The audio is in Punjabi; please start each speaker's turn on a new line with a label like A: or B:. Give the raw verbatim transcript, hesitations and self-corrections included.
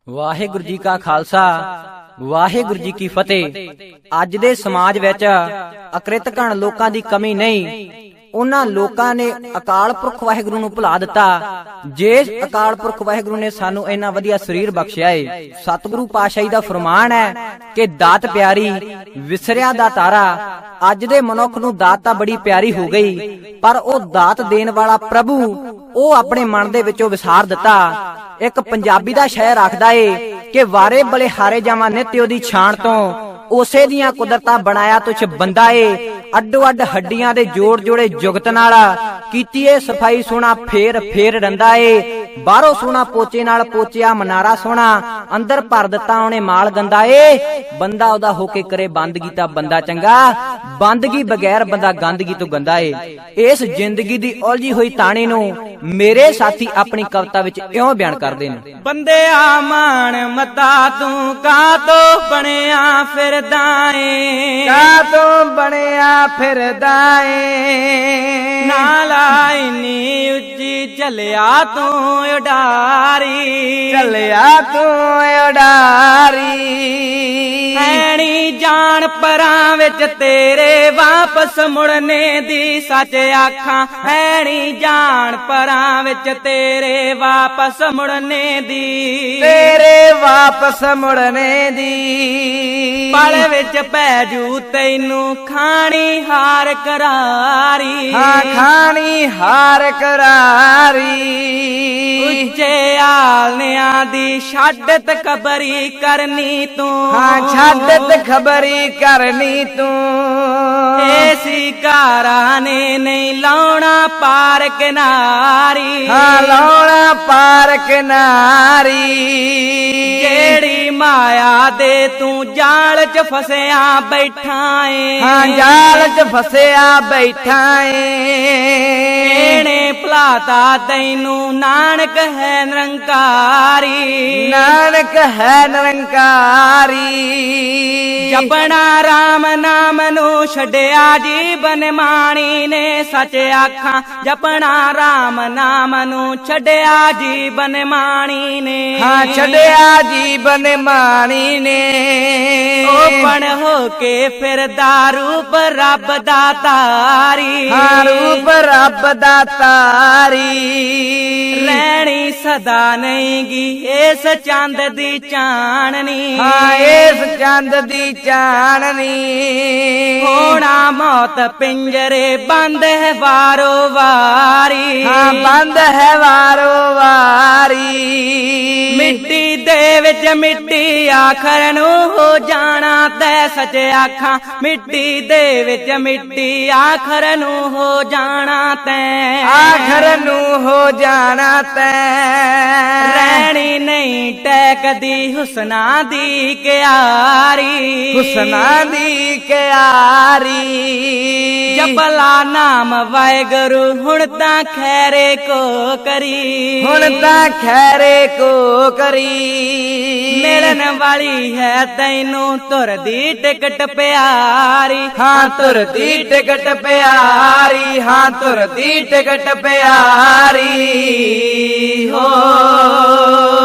A: ਵਾਹਿਗੁਰੂ ਜੀ ਕਾ ਖਾਲਸਾ ਵਾਹਿਗੁਰੂ ਜੀ ਕੀ ਫਤਿਹ। ਅੱਜ ਦੇ ਸਮਾਜ ਵਿੱਚ ਅਕ੍ਰਿਤ ਘਣ ਲੋਕਾਂ ਦੀ ਕਮੀ ਨਹੀਂ। ਉਹਨਾਂ ਲੋਕਾਂ ਨੇ ਅਕਾਲ ਪੁਰਖ ਵਾਹਿਗੁਰੂ ਨੂੰ ਭੁਲਾ ਦਿੱਤਾ। ਜਿਸ ਅਕਾਲ ਪੁਰਖ ਵਾਹਿਗੁਰੂ ਨੇ ਸਾਨੂੰ ਇੰਨਾ ਵਧੀਆ ਸਰੀਰ ਬਖਸ਼ਿਆ ਏ। ਸਤਿਗੁਰੂ ਪਾਤਸ਼ਾਹੀ ਦਾ ਫਰਮਾਨ ਹੈ ਕਿ ਦਾਤ ਪਿਆਰੀ ਵਿਸਰਿਆ ਦਾ ਤਾਰਾ। ਅੱਜ ਦੇ ਮਨੁੱਖ ਨੂੰ ਦਾਤ ਤਾਂ ਬੜੀ ਪਿਆਰੀ ਹੋ ਗਈ, ਪਰ ਉਹ ਦਾਤ ਦੇਣ ਵਾਲਾ ਪ੍ਰਭੂ ਉਹ ਆਪਣੇ ਮਨ ਦੇ ਵਿੱਚੋਂ ਵਿਸਾਰ ਦਿੱਤਾ। ਇੱਕ ਪੰਜਾਬੀ ਦਾ ਸ਼ਾਇਰ ਆਖਦਾ ਏ ਕਿ ਵਾਰੇ ਬਲੇ ਹਾਰੇ ਜਾਵਾਂ ਨਿਤ ਉਹਦੀ ਛਾਣ ਤੋਂ, ਉਸੇ ਦੀਆਂ ਕੁਦਰਤਾਂ ਬਣਾਇਆ ਤੁਛ ਬੰਦਾ ਏ। ਅੱਡੋ ਅੱਡ ਹੱਡੀਆਂ ਦੇ ਜੋੜ ਜੋੜੇ ਜੁਗਤ ਨਾਲ ਕੀਤੀ ਏ ਸਫਾਈ ਸੋਹਣਾ ਫੇਰ ਫੇਰ ਰੰਦਾ ਏ। ਬਾਹਰੋਂ ਸੋਹਣਾ ਪੋਚੇ ਨਾਲ ਪੋਚਿਆ ਮਨਾਰਾ ਸੋਹਣਾ, ਅੰਦਰ ਭਰ ਦਿੱਤਾ ਉਹਨੇ ਮਾਲ ਗੰਦਾ ਏ। ਬੰਦਾ ਉਹਦਾ ਹੋ ਕੇ ਕਰੇ ਬੰਦਗੀ ਤਾਂ ਬੰਦਾ ਚੰਗਾ, ਬੰਦਗੀ ਬਗੈਰ ਬੰਦਾ ਗੰਦਗੀ ਤੋਂ ਗੰਦਾ ਏ। ਇਸ ਜ਼ਿੰਦਗੀ ਦੀ ਉਲਝੀ ਹੋਈ ਤਾਣੇ ਨੂੰ ਮੇਰੇ ਸਾਥੀ ਆਪਣੀ ਕਵਿਤਾ ਵਿੱਚ ਇਉਂ ਬਿਆਨ ਕਰਦੇ ਨੇ।
B: ਬੰਦਿਆ ਮਾਣ ਮਤਾ ਤੂੰ ਕਾਤੋਂ ਬਣਿਆ ਫਿਰਦਾ ਏ,
C: ਕਾਤੋਂ ਬਣਿਆ ਫਿਰਦਾ ਏ।
B: ਨਾਲਾ ਇੰਨੀ ਉੱਚੀ ਚੱਲਿਆ ਤੂੰ ਉਡਾਰੀ,
C: ਚੱਲਿਆ ਤੂੰ ਉਡਾਰੀ।
B: ਐਣੀ ਜਾਣ ਪਰਾਂ ਵਿੱਚ ਤੇਰੇ ਵਾਪਸ ਮੁੜਨੇ ਦੀ ਸੱਚ ਆਖਾਂ, ਐਣੀ ਜਾਣ ਪਰਾਂ ਵਿੱਚ ਤੇਰੇ ਵਾਪਸ ਮੁੜਨੇ ਦੀ,
C: ਤੇਰੇ ਵਾਪਸ ਮੁੜਨੇ ਦੀ।
B: ਪਲ ਵਿੱਚ ਪੈ ਜੂ ਤੈਨੂੰ ਖਾਣੀ ਹਾਰ ਕਰਾਰੀ,
C: ਹਾਂ ਖਾਣੀ ਹਾਰ ਕਰਾਰੀ।
B: ਉੱਚੇ ਆਲਿਆਂ ਦੀ ਛੱਡ ਤਕਬਰੀ ਕਰਨੀ ਤੂੰ,
C: ਹਾਂ ਛੱਡ ਤਖਬਰੀ ਕਰਨੀ ਤੂੰ।
B: ਏਸੀ ਕਾਰਾਂ ਨੇ ਨਹੀਂ ਲਾਉਣਾ ਪਾਰ ਕਿਨਾਰੀ,
C: ਹਾਂ ਲਾਉਣਾ ਪਾਰ ਕਿਨਾਰੀ।
B: ਜਿਹੜੀ ਮਾਇਆ ਦੇ ਤੂੰ ਜਾਲ ਚ ਫਸਿਆ ਬੈਠਾ ਏ,
C: ਹਾਂ ਜਾਲ ਚ ਫਸਿਆ ਬੈਠਾ ਏ।
B: ਇਹਨੇ ਭੁਲਾਤਾ ਤੈਨੂੰ ਨਾਨਕ ਹੈ ਨਿਰੰਕਾਰੀ,
C: ਨਾਨਕ ਹੈ ਨਿਰੰਕਾਰੀ।
B: ਜਪਣਾ ਰਾਮ ਨਾਮ ਨੂੰ ਛੱਡਿਆ ਜੀਵਨ ਮਾਣੀ ਨੇ ਸੱਚ ਆਖਾਂ, ਜਪਣਾ ਰਾਮ ਨਾਮ ਨੂੰ ਛੱਡਿਆ ਜੀਵਨ ਮਾਣੀ ਨੇ,
C: ਹਾਂ ਛੱਡਿਆ ਜੀਵਨ ਮਾਣੀ ਨੇ।
B: ਓਪਣ ਹੋ ਕੇ ਫਿਰਦਾ ਰੂਪ ਰੱਬ ਦਾ ਤਾਰੀ,
C: ਹਾਂ ਰੂਪ ਰੱਬ ਦਾ ਤਾਰੀ।
B: ਰਹਿਣੀ ਸਦਾ ਨਹੀਂਗੀ ਇਸ ਚੰਦ ਦੀ ਚਾਨਣੀ,
C: ਹਾਂ ਇਸ ਚੰਦ ਦੀ ਚਾਨਣੀ।
B: ਹੋਣਾ ਮੌਤ ਪਿੰਜਰੇ ਬੰਦ ਹੈ ਵਾਰੋ ਵਾਰੀ,
C: ਹਾਂ ਬੰਦ ਹੈ ਵਾਰੋ ਵਾਰੀ।
B: ਮਿੱਟੀ ਦੇ ਵਿੱਚ ਮਿੱਟੀ ਆਖਰ ਨੂੰ ਹੋ ਜਾਣਾ ਤੈ ਸੱਚ ਆਖਾਂ, ਮਿੱਟੀ ਦੇ ਵਿੱਚ ਮਿੱਟੀ ਆਖਰ ਨੂੰ ਹੋ ਜਾਣਾ ਤੈ,
C: ਆਖਰ ਨੂੰ ਹੋ ਜਾਣਾ ਤੈ।
B: ਰਹਿਣੀ ਨਹੀਂ ਟੈਕਦੀ ਹੁਸਨਾ ਦੀ ਕਿਆਰੀ,
C: ਹੁਸਨਾ ਦੀ ਕਿਆਰੀ।
B: ਜਪਲਾ ਨਾਮ ਵਾਹਿਗੁਰੂ ਹੁਣ ਤਾਂ ਖੈਰੇ ਕੋ ਕਰੀ,
C: ਹੁਣ ਤਾਂ ਖੈਰੇ ਕੋ ਕਰੀ।
B: ਮਿਲਣ ਵਾਲੀ ਹੈ ਤੈਨੂੰ ਤੁਰ ਦੀ ਟਿਕਟ ਪਿਆਰੀ,
C: ਹਾਂ ਤੁਰ ਦੀ ਟਿਕਟ ਪਿਆਰੀ, ਹਾਂ ਤੁਰ ਦੀ ਟਿਕਟ ਪਿਆਰੀ। ਹੋ